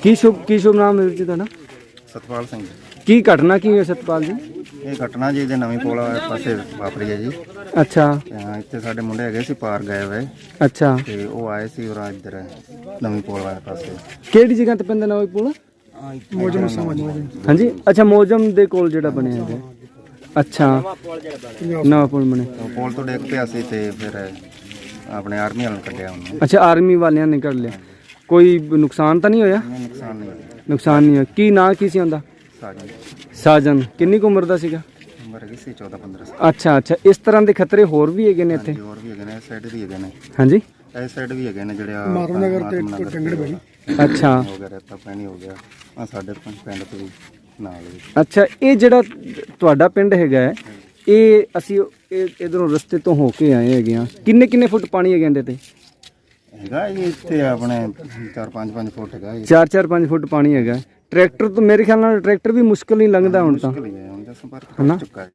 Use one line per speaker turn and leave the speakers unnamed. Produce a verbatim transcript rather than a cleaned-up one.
ਕੀ ਸ਼ੁਭ ਕੀ ਸ਼ੁਭ ਨਾਮ ਹੈ ਵੀਰ ਜੀ ਤੁਹਾਡਾ?
ਸਤਪਾਲ ਸਿੰਘ।
ਕੀ ਘਟਨਾ ਕੀ ਹੋਈ ਸਤਪਾਲ ਜੀ?
ਇਹ ਘਟਨਾ ਜੀ ਇਹਦੇ ਨਵੀਂ ਪੋਲ ਵਾਲੇ ਪਾਸੇ ਵਾਪਰੀ ਹੈ ਜੀ।
ਅੱਛਾ
ਤੇ ਹਾਂ, ਇੱਥੇ ਸਾਡੇ ਮੁੰਡੇ ਹੈਗੇ ਸੀ ਪਾਰ ਗਏ ਹੋਏ
ਅੱਛਾ।
ਤੇ ਉਹ ਆਏ ਸੀ ਔਰ ਇੱਧਰ ਨਵੀਂ ਪੋਲ ਵਾਲੇ ਪਾਸੇ
ਕਿਹੜੀ ਜਗ੍ਹਾ ਤੇ ਪੈਂਦਾ ਨਵਾਂ ਪੁਲ?
ਮੋਜਮ
ਹਾਂਜੀ ਅੱਛਾ, ਮੋਜਮ ਦੇ ਕੋਲ ਜਿਹੜਾ ਬਣਿਆ ਹੈ। ਅੱਛਾ ਨਵਾਂ ਪੁਲ ਬਣਿਆ।
ਪੋਲ ਤੋਂ ਡਿੱਗ ਪਿਆ ਸੀ ਤੇ ਫਿਰ ਆਪਣੇ ਆਰਮੀ ਵਾਲਿਆਂ ਨੇ ਕੱਢਿਆ ਉਹਨੂੰ।
ਅੱਛਾ ਆਰਮੀ ਵਾਲਿਆਂ ਨੇ ਕੱਢ ਲਿਆ। ਕੋਈ ਨੁਕਸਾਨ ਤਾਂ ਨਹੀਂ ਹੋਇਆ?
ਨਹੀਂ, ਨੁਕਸਾਨ ਨਹੀਂ ਹੋਇਆ।
ਨੁਕਸਾਨ ਨਹੀਂ ਹੋਇਆ। ਕੀ ਨਾਂ ਕੀ ਸੀ ਉਹਦਾ?
ਸਾਡੀ
ਸਾਜਨ। ਕਿੰਨੀ ਕੁ ਉਮਰ ਦਾ ਸੀਗਾ?
ਉਮਰ ਹੈਗੀ ਸੀ ਚੌਦਾਂ ਪੰਦਰਾਂ ਸਾਲ।
ਅੱਛਾ ਅੱਛਾ। ਇਸ ਤਰ੍ਹਾਂ ਦੇ ਖਤਰੇ ਹੋਰ ਵੀ ਹੈਗੇ ਨੇ ਇੱਥੇ?
ਹਾਂਜੀ, ਹੋਰ ਵੀ ਹੈਗੇ ਨੇ, ਇਸ ਸਾਈਡ ਵੀ ਹੈਗੇ ਨੇ।
ਹਾਂਜੀ
ਇਸ ਸਾਈਡ ਵੀ ਹੈਗੇ ਨੇ ਜਿਹੜੇ ਆ
ਮਾਰਨਗਰ ਤੇ ਟੰਗੜ ਬਈ।
ਅੱਛਾ
ਹੋ ਗਿਆ, ਰੇਤਾ ਪਾਣੀ ਹੋ ਗਿਆ ਆ ਸਾਡੇ ਪਿੰਡ ਤੋਂ ਵੀ ਨਾਲ ਵੀ।
ਅੱਛਾ। ਇਹ ਜਿਹੜਾ ਤੁਹਾਡਾ ਪਿੰਡ ਹੈਗਾ ਹੈ, ਇਹ ਅਸੀਂ ਇਧਰੋਂ ਰਸਤੇ ਤੋਂ ਹੋ ਕੇ ਆਏ ਹੈਗੇ ਆ। ਕਿੰਨੇ ਕਿੰਨੇ ਫੁੱਟ ਪਾਣੀ ਹੈਗੇ ਇਹਦੇ ਤੇ?
ਹੈਗਾ ਜੀ ਇੱਥੇ ਆਪਣੇ ਚਾਰ ਪੰਜ ਪੰਜ ਫੁੱਟ ਹੈਗਾ ਜੀ।
ਚਾਰ ਚਾਰ ਪੰਜ ਫੁੱਟ ਪਾਣੀ ਹੈਗਾ। ਟਰੈਕਟਰ ਤੋਂ ਮੇਰੇ ਖਿਆਲ ਨਾਲ ਟਰੈਕਟਰ ਵੀ ਮੁਸ਼ਕਲ ਹੀ ਲੰਘਦਾ ਹੁਣ ਤਾਂ,
ਮੁਸ਼ਕਿਲ ਹੀ ਹੈ, ਹੁਣ ਤਾਂ ਸੰਪਰਕ
ਹਨਾ?
ਟੁੱਟ ਚੁੱਕਾ ਹੈ।